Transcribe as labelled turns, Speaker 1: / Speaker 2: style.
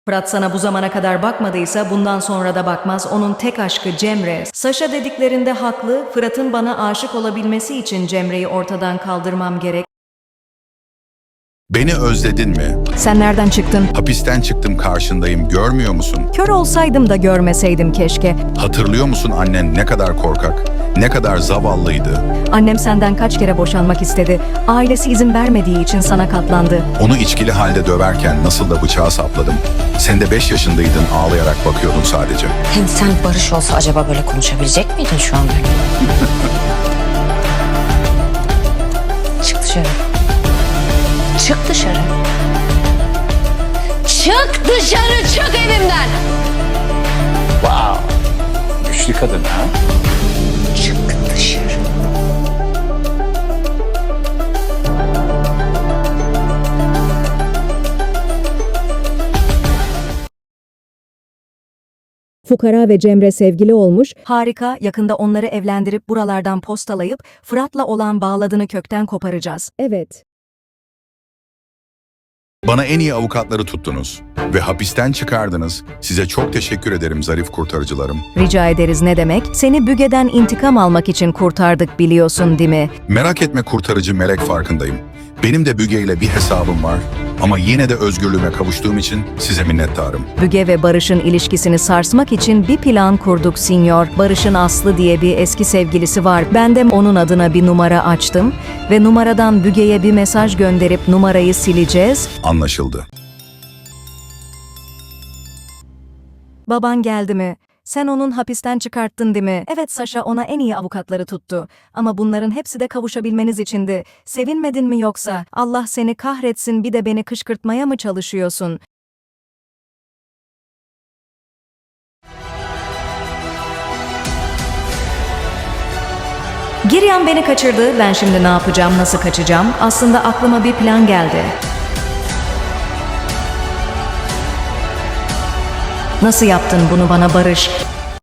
Speaker 1: Fırat sana bu zamana kadar bakmadıysa bundan sonra da bakmaz. Onun tek aşkı Cemre. Saşa dediklerinde haklı. Fırat'ın bana aşık olabilmesi için Cemre'yi ortadan kaldırmam gerek.
Speaker 2: Beni özledin mi?
Speaker 1: Sen nereden çıktın?
Speaker 2: Hapisten çıktım, karşındayım, görmüyor musun?
Speaker 1: Kör olsaydım da görmeseydim keşke.
Speaker 2: Hatırlıyor musun annen ne kadar korkak, ne kadar zavallıydı?
Speaker 1: Annem senden kaç kere boşanmak istedi. Ailesi izin vermediği için sana katlandı.
Speaker 2: Onu içkili halde döverken nasıl da bıçağı sapladım. Sen de 5 yaşındaydın, ağlayarak bakıyordun sadece.
Speaker 3: Hem sen Barış olsa acaba böyle konuşabilecek miydin şu an böyle? Çık dışarı. Çık dışarı. Çık dışarı, çık evimden.
Speaker 4: Wow. Güçlü kadın ha?
Speaker 3: Çık dışarı.
Speaker 1: Fukara ve Cemre sevgili olmuş. Harika, yakında onları evlendirip buralardan postalayıp Fırat'la olan bağladığını kökten koparacağız. Evet.
Speaker 2: Bana en iyi avukatları tuttunuz ve hapisten çıkardınız. Size çok teşekkür ederim zarif kurtarıcılarım.
Speaker 1: Rica ederiz, ne demek? Seni Büge'den intikam almak için kurtardık, biliyorsun değil mi?
Speaker 2: Merak etme kurtarıcı melek, farkındayım. Benim de Büge ile bir hesabım var ama yine de özgürlüğüme kavuştuğum için size minnettarım.
Speaker 1: Büge ve Barış'ın ilişkisini sarsmak için bir plan kurduk sinyor. Barış'ın Aslı diye bir eski sevgilisi var. Ben de onun adına bir numara açtım ve numaradan Büge'ye bir mesaj gönderip numarayı sileceğiz.
Speaker 2: Anlaşıldı.
Speaker 1: Baban geldi mi? Sen onun hapisten çıkarttın değil mi? Evet, Saşa ona en iyi avukatları tuttu. Ama bunların hepsi de kavuşabilmeniz içindi. Sevinmedin mi yoksa? Allah seni kahretsin, bir de beni kışkırtmaya mı çalışıyorsun? Giryan beni kaçırdı. Ben şimdi ne yapacağım, nasıl kaçacağım? Aslında aklıma bir plan geldi. Nasıl yaptın bunu bana Barış?